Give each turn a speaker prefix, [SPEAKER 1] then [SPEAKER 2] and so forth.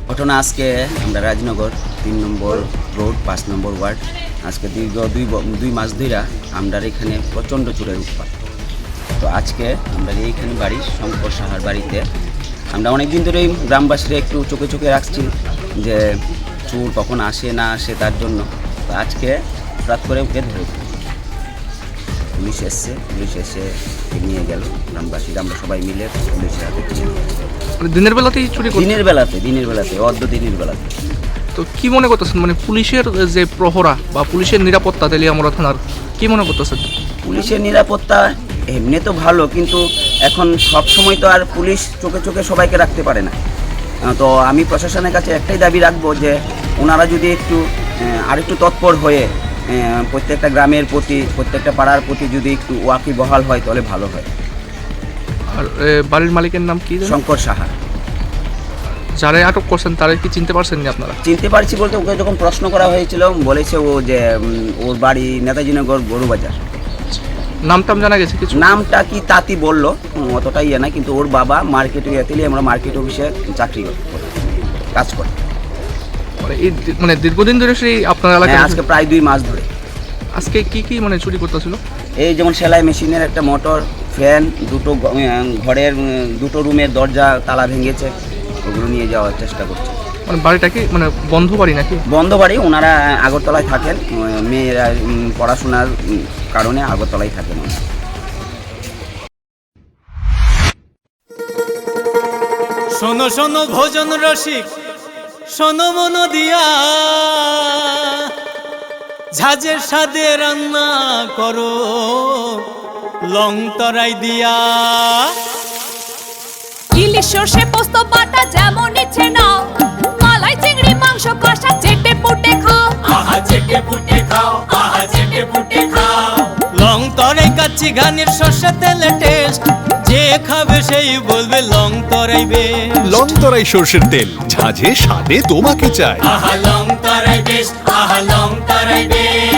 [SPEAKER 1] ঘটনা আজকে আমরা রাজনগর 3 নম্বর রোড 5 নম্বর ওয়ার্ড আজকে দীর্ঘ দুই মাস ধরে আমরা এখানে প্রচণ্ড চোরের উৎপাত। তো আজকে আমরা এইখানে বাড়ি শঙ্কর সাহার বাড়িতে আমরা অনেক দিন ধরেই গ্রামবাসীরা একটু চোখে চোখে রাখছি যে চোর কখন আসে না আসে তার জন্য। তো আজকে হঠাৎ করে ওকে ধরে পুলিশ এসে নিয়ে গেল গ্রামবাসীরা, আমরা সবাই মিলে পুলিশের হাতে
[SPEAKER 2] দিনের বেলাতেই চুরি করছে?
[SPEAKER 1] দিনের বেলাতে অর্ধ দিনের বেলাতে।
[SPEAKER 2] তো কি মনে করতেছেন, মানে পুলিশের যে প্রহরা বা পুলিশের নিরাপত্তা তেলিয়ামুড়া থানার কি মনে করতেছেন?
[SPEAKER 1] পুলিশের নিরাপত্তা এমনি তো ভালো, কিন্তু এখন সব সময় তো আর পুলিশ চোখে চোখে সবাইকে রাখতে পারে না। তো আমি প্রশাসনের কাছে একটাই দাবি রাখবো যে ওনারা যদি আরেকটু তৎপর হয়ে প্রত্যেকটা গ্রামের প্রতি, প্রত্যেকটা পাড়ার প্রতি যদি একটু ওয়াকিবহাল হয় তাহলে ভালো হয়।
[SPEAKER 2] আর বাড়ির মালিকের নাম কি?
[SPEAKER 1] শঙ্কর সাহা।
[SPEAKER 2] যারা আটক করছেন তারা কি চিনতে পারছেন না আপনারা?
[SPEAKER 1] চিনতে পারছি বলতে, ওকে যখন প্রশ্ন করা হয়েছিল বলেছে ও যে ওর বাড়ি নেতাজিনগর গরুবাজার।
[SPEAKER 2] নামটাম জানা গেছে কিছু?
[SPEAKER 1] নামটা কি তাতি বললো, অতটাই না, কিন্তু ওর বাবা মার্কেটে আমরা মার্কেট অফিসে চাকরি করে কাজ করে।
[SPEAKER 2] মানে দীর্ঘদিন ধরে সেই আপনার এলাকায়?
[SPEAKER 1] আজকে প্রায় 2 মাস ধরে।
[SPEAKER 2] আজকে কি মানে চুরি করতেছিল?
[SPEAKER 1] এই যেমন সেলাই মেশিনের একটা মোটর, ফ্যান, দুটো ঘরের 2টো রুমের দরজা তালা ভেঙেছে, ওগুলো নিয়ে যাওয়ার চেষ্টা করছে।
[SPEAKER 2] মানে বাড়িটা কি মানে বন্ধ বাড়ি নাকি?
[SPEAKER 1] বন্ধ বাড়ি, ওনারা আগরতলায় থাকেন, মেয়েরা পড়াশোনার কারণে আগরতলায় থাকেন।
[SPEAKER 3] শোনো শোনো ভোজন রসিক, শোনো মন দিয়া, ঝাঁঝের স্বাদে রান্না করো লং তরাই দিয়া।
[SPEAKER 4] ইলিশ সর্ষে পোস্ত বাটা যেমন ইচ্ছে নাও, মালাই চিংড়ি মাংস কষা চেটে পুটে খাও,
[SPEAKER 3] আহা চেটে পুটে খাও, আহা চেটে পুটে খাও। লং তরাই কাচ্চি ঘানির সর্ষে তেলে টেস্ট, যে খাবে সেই বলবে লং তরাই বেশ।
[SPEAKER 5] লং তরাই সর্ষের তেল, ঝাঁঝে স্বাদে তোমাকে চাই।
[SPEAKER 3] আহা লং তরাই বেশ, আহা লং তরাই বেশ।